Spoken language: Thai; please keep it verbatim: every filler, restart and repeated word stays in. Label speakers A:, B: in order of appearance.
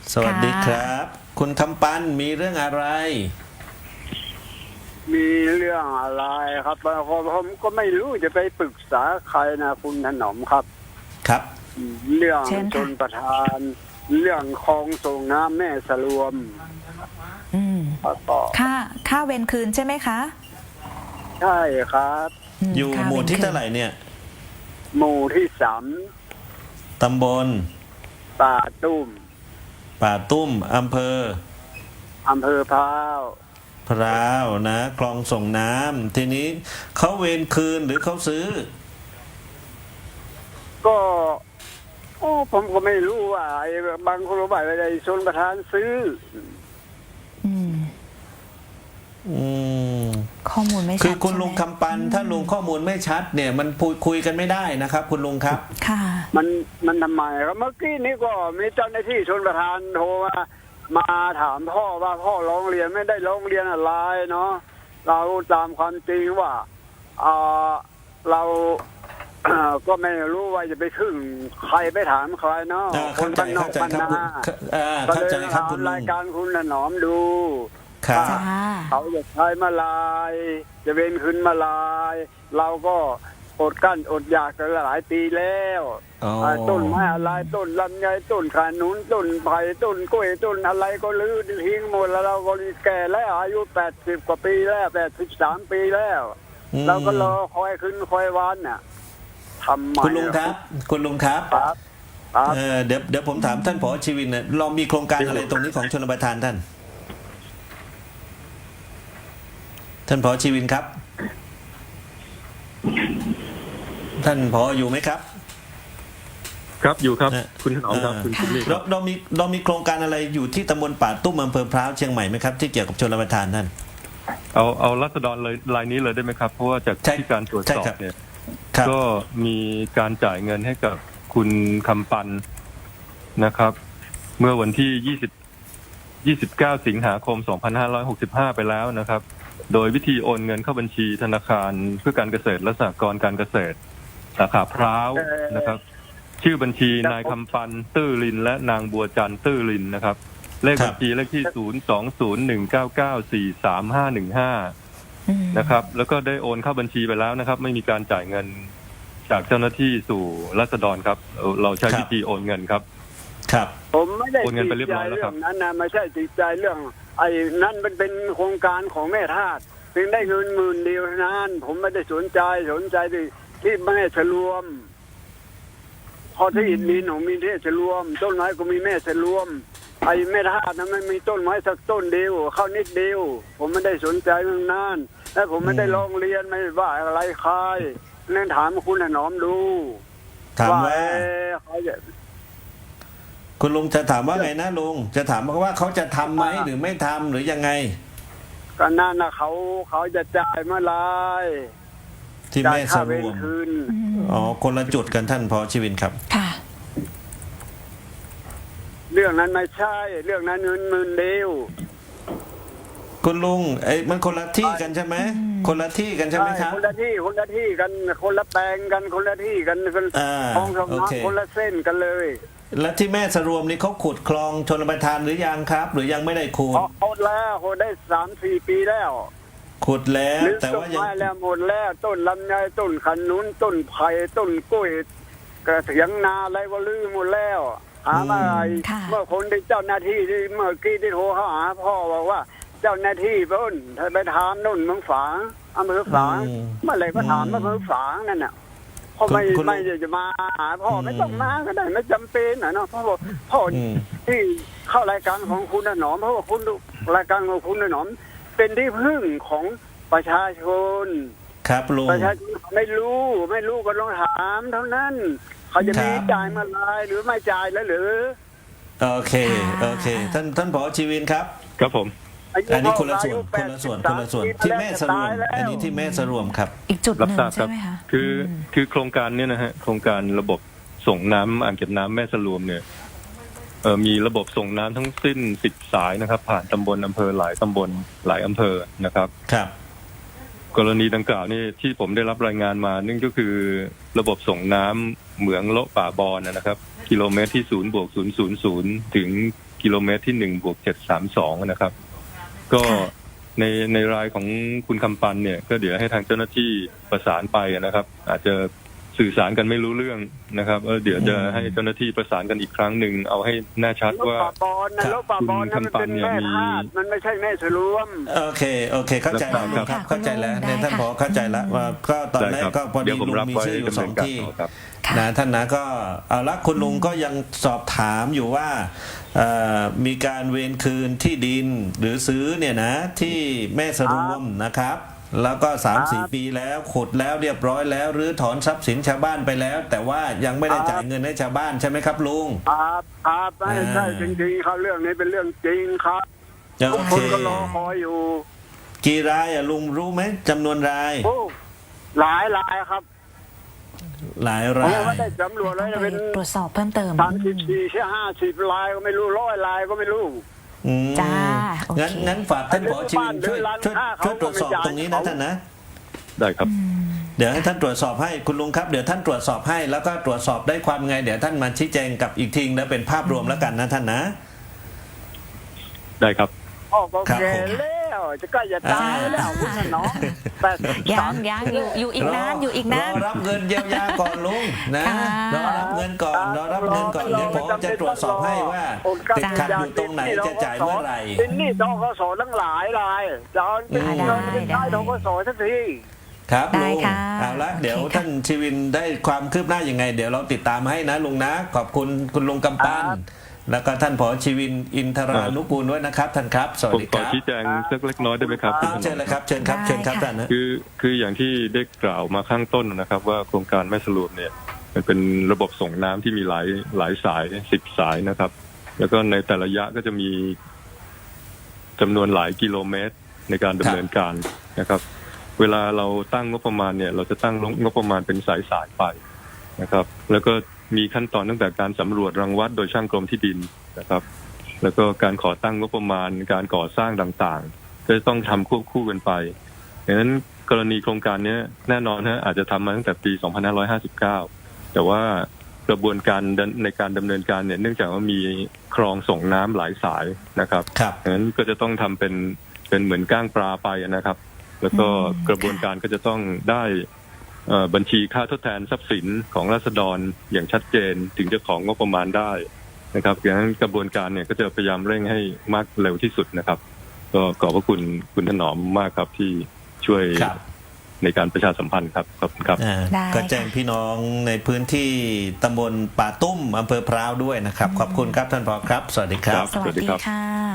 A: สวัสดีครับ คุณคำปันมีเรื่องอะไร
B: มีเรื่องอะไรครับผมก็ไม่รู้จะไปปรึกษาใครนะคุณถนอมครับ
A: ครับ
B: เรื่องชนประทาน เรื่องคลองส่งน้ำแม่สลวม
C: อืมค่าค่าเวรคืนใช่ไหมคะ
B: ใช่ครับ
A: อยู่หมู่ที่เท่าไหร่เนี่ย
B: หมู่ที่สาม
A: ตำบล
B: ป่าตุ้ม
A: ป่าตุ้มอำเภอ
B: อำเภอพร้าว
A: พร้าวนะคลองส่งน้ำทีนี้เขาเวรคืนหรือเขาซื้อ
B: ก็โอ้ผมก็ไม่รู้ว่าไอ้บางคนบอกว่าไอ้ชนประทานซื้อ
C: อืม
A: อืม
C: ข้อมูลไม่ชัด
A: คือคุณลุงคำปันถ้าลุงข้อมูลไม่ชัดเนี่ยมันพูดคุยกันไม่ได้นะครับคุณลุงครับ
C: ค่ะ
B: มันมันทำไมครับเมื่อกี้นี้ก็มีเจ้าหน้าที่ชนประทานโทรมามาถามพ่อว่าพ่อร้องเรียนไม่ได้ร้องเรียนอะไรเนาะเราตามความจริงว่าเออเราก็ไม่รู้ว่าจะไปถึงใครไปถามใครเนาะ
A: คนบ้านนอกบ้านนาก็เลยถาม
B: รายการคุณหนอมดู
A: ครับ
B: เขาจะใช้มาลายจะเว้นขึ้นมาลายเราก็อดกั้นอดอยากกันหลายปีแล้วต้นไม้อะไรต้นลำไยต้นขานุนต้นไผ่ต้นกล้วยต้นอะไรก็ลื้อทิ้งหมดแล้วเราก็แก่แล้วอายุแปดสิบกว่าปีแล้วแปดสิบสามปีแล้วเราก็รอคอยขึ้นคอยวันน่ะทำไม
A: คุณลุงครับคุณลุงครับเออเดี๋ยวเดี๋ยวผมถามท่านผอ.ชีวินเนี่ยเรามีโครงการอะไรตรงนี้ของชลประทานท่านท่านผอ.ชีวินครับท่านผอ.อยู่ไหมครับ
D: ครับอยู่ครับคุณถนอมครับคุณคุณลี่
A: เราเรามีเรามีโครงการอะไรอยู่ที่ตำบลป่าตุ้มอำเภอพร้าวเชียงใหม่ไหมครับที่เกี่ยวกับชลประทานท่าน
D: เอาเอารัษฎรเลยรายนี้เลยได้ไหมครับเพราะว่าจากที่การตรวจสอบเนี่ยก็มีการจ่ายเงินให้กับคุณคำปันนะครับเมื่อวันที่ยี่สิบ ยี่สิบเก้าสิงหาคมสองพันห้าร้อยหกสิบห้าไปแล้วนะครับโดยวิธีโอนเงินเข้าบัญชีธนาคารเพื่อการเกษตรและสหกรณ์การเกษตรสาขาพร้าวนะครับชื่อบัญชีนายคำปันตื้อลินและนางบัวจันทร์ตื้อลินนะครับเลขบัญชีเลขที่ศูนย์ สอง ศูนย์ หนึ่ง เก้า เก้า สี่ สาม ห้า หนึ่ง ห้านะครับแล้วก็ได้โอนเข้าบัญชีไปแล้วนะครับไม่มีการจ่ายเงินจากเจ้าหน้าที่สู่ราษฎรครับเราใช้วิธีโอนเงินครับ
A: ครับ
B: ผมไม่ได้ติดใจเรื่องนั้นนะไม่ใช่ติดใจเรื่องไอ้นั่นมันเป็นโครงการของแม่ทาสเพียงได้เงินหมื่นเดียวนั้นผมไม่ได้สนใจสนใจที่ที่แม่ฉลวมพอที่อินมีหนูมีเทศฉลวมต้นไม้ก็มีแม่ฉลวมไอ้แม่ทาสนั้นไม่มีต้นไม้สักต้นเดียวเข้านิดเดียวผมไม่ได้สนใจเรื่องนั้นและผมไม่ได้ลองเรียนไม่ว่าอะไรใครนั่นถามคุณหนอมดู
A: ถามว่าคุณลุงจะถามว่าไงนะลุงจะถามว่าเขาจะทำไหมหรือไม่ทำหรือยังไง
B: ก็นั่นนะเขาเขาจะจ่ายเมื่อไร
A: ที่แม่สรวมอ๋อคนละจุดกันท่านผอ.ชีวินครับ
C: ค่ะ
B: เรื่องนั้นไม่ใช่เรื่องนั้นเงินหมื่นเดียว
A: คุณลุงไอ้มันคนละที่กันใช่ไหมคนละที่กันใช่ไหมครับ
B: คนละที่คนละที่กันคนละแปลงกันคนละที่กันคลองสองน้ำคนละเส้นกันเลย
A: และที่แม่สรวมนี่เขาขุดคลองชลประทานหรือยังครับหรือยังไม่ได้ขุด
B: ขุดแล้วขุดได้สามสี่ปีแล้ว
A: ขุดแล้วแต่ว่ายัง
B: แล้วหมดแล้วต้นลำไยต้นขนุนต้นไผ่ต้นกล้วยกระเถียงนาอะไรก็ลื้อหมดแล้วหาอะไรเมื่อคนที่เจ้าหน้าที่ที่เมื่อกี้ที่โทรหาพ่อบอกว่าเจ้าหน้าที่เพิ่นไปถามนู่นเมืองฝางอำเภอฝางเมื่อไหร่ก็ถามอำเภอฝางนั่นน่ะพ่อไม่ไม่จะมาหาพ่อไม่ต้องมาก็ได้ไม่จำเป็นนะเนาะพ่อพ่อที่เข้ารายการของคุณหนอมเพราะว่าคุณรายการของคุณหนอมเป็นที่พึ่งของประชาชน
A: ครับลุง
B: ประชาชนไม่รู้ไม่รู้ก็ลองถามเท่านั้นเขาจะมีจ่ายเมื่อไรหรือไม่จ่ายแล้วหรือ
A: โอเคโอเคท่านท่านผอ.ชีวินครับ
D: ครับผม
A: อันนี้คนละส่วนคนละส่วนคนละส่วนที่แม่สรวมอันนี้ที่แม่สรวมครับ
C: อีกจุดหนึ่งใช่ไหมคะ
D: คือคือโครงการเนี้ยนะฮะโครงการระบบส่งน้ำอ่างเก็บน้ำแม่สรวมเนี่ยเอ่อมีระบบส่งน้ำทั้งสิ้นสิบสายนะครับผ่านตำบลอำเภอหลายตำบลหลายอำเภอนะครับ
A: ครับ
D: กรณีดังกล่าวนี่ที่ผมได้รับรายงานมานั่นก็คือระบบส่งน้ำเหมืองโละป่าบอนนะครับกิโลเมตรที่ศูนย์บวกศูนย์ศูนย์ศูนย์ถึงกิโลเมตรที่หนึ่งบวกเจ็ดสามสองนะครับก็ในในรายของคุณคำปันเนี่ยก็เดี๋ยวให้ทางเจ้าหน้าที่ประสานไปนะครับอาจจะสื่อสารกันไม่รู้เรื่องนะครับเดี๋ยวจะให้เจ้าหน้าที่ประสานกันอีกครั้งหนึ่งเอาให้แน่ชัดว่า
B: รถป่าบอลนะรถป่าบอลนั้นมันเป็นแม่ธาตุมันไม่ใช่แม่สรวม
A: โอเคโอเคเข้าใจแล้วลุงครับเข้าใจแล้วเนี่ยท่านผอเข้าใจแล้วว่าก็ตอนแรกก็พอดีลุงมีชื่ออยู่สองที่นะท่านนะก็เอาละคุณลุงก็ยังสอบถามอยู่ว่ามีการเวรคืนที่ดินหรือซื้อเนี่ยนะที่แม่สรวมนะครับแล้วก็ สามถึงสี่ ปีแล้วขุดแล้วเรียบร้อยแล้วรื้อถอนทรัพย์สินชาวบ้านไปแล้ว แต่ว่ายังไม่ได้จ่ายเงินให้ชาวบ้านใช่ไหมครับลุง
B: ครับครับไม่ใช่จริงๆเขาเรื่องนี้เป็นเรื่องจริงครับทุกคนก็รอคอยอยู่
A: กี่รายอะลุงรู้ไหมจำนวนราย
B: โอ้หลายรายครับ
A: หลายราย
B: ไม่ได้จำรวจเลยเป็น
C: ตรวจสอบเพิ่มเติม
B: สามสิบสี่ใช่ห้าสิบรายก็ไม่รู้ร้อยรายก็ไม่รู้
C: จ้า
A: งั้นงั้นฝากท่านผอชีวินช่วยช่วยช่วยตรวจสอบตรงนี้นะท่านนะ
D: ได้ครับ
A: เดี๋ยวให้ท่านตรวจสอบให้คุณลุงครับเดี๋ยวท่านตรวจสอบให้แล้วก็ตรวจสอบได้ความไงเดี๋ยวท่านมาชี้แจงกับอีกทีแล้วเป็นภาพรวมแล้วกันนะท่านนะ
D: ได้ครับ
B: อ๋อโอเคแล้วจะใกล้จะตายแล้วคุณน้องแต่
C: ยังยังอยู่อยู่อีกนานอยู่อีกนาน
A: รอรับเงินเยียวยาก่อนลุงนะรอรับเงินก่อนรอรับเงินก่อนเดี๋ยวผมจะตรวจสอบให้ว่าติดขัดอยู่ตรงไหนจะจ่ายเมื่อไหร่
B: เป็นหนี้ธกสทั้งหลายรายจะเอาเป็นเงินเป็นได้ธกสสักที
A: ครับลุงเอาละเดี๋ยวท่านชีวินได้ความคืบหน้ายังไงเดี๋ยวเราติดตามให้นะลุงนะขอบคุณคุณลุงกำปั้นแล้วก็ท่านผอชีวินอินทรานุกูลด้วยนะครับท่านครับสวัสดีครับ
D: ผมขอชี้แจงสักเล็กน้อยได้ไหมครับ
A: เชิญเลยครับเชิญครับเชิญครับท่านนะ
D: คือคืออย่างที่ได้กล่าวมาข้างต้นนะครับว่าโครงการแม่สรุปเนี่ยมันเป็นระบบส่งน้ำที่มีหลายหลายสายสิบสายนะครับแล้วก็ในแต่ละระยะก็จะมีจำนวนหลายกิโลเมตรในการดำเนินการนะครับเวลาเราตั้งงบประมาณเนี่ยเราจะตั้งงบประมาณเป็นสายสายไปนะครับแล้วก็มีขั้นตอนตั้งแต่การสำรวจรังวัดโดยช่างกรมที่ดินนะครับแล้วก็การขอตั้งงบประมาณการก่อสร้างต่างๆก็จะต้องทำควบคู่กันไปดังนั้นกรณีโครงการนี้แน่นอนฮะอาจจะทำมาตั้งแต่ปีสองพันห้าร้อยห้าสิบเก้าแต่ว่ากระบวนการในการดำเนินการเนี่ยเนื่องจากว่ามีคลองส่งน้ำหลายสายนะครับดังนั้นก็จะต้องทำเป็นเป็นเหมือนก้างปลาไปนะครับแล้วก็กระบวนการก็จะต้องได้บัญชีค่าทดแทนทรัพย์สินของราษฎรอย่างชัดเจนถึงจะของงบประมาณได้นะครับดังนั้นกระบวนการเนี่ยก็จะพยายามเร่งให้มากเร็วที่สุดนะครับก็ขอบพระคุณคุณถนอมมากครับที่ช่วยในการประชาสัมพันธ์ครับขอบคุณครับ
A: ก็แจ้งพี่น้องในพื้นที่ตำบลป่าตุ้มอำเภอพร้าวด้วยนะครับขอบคุณครับท่านผอครับสวัสดีครับ
C: สวัสดีค่ะ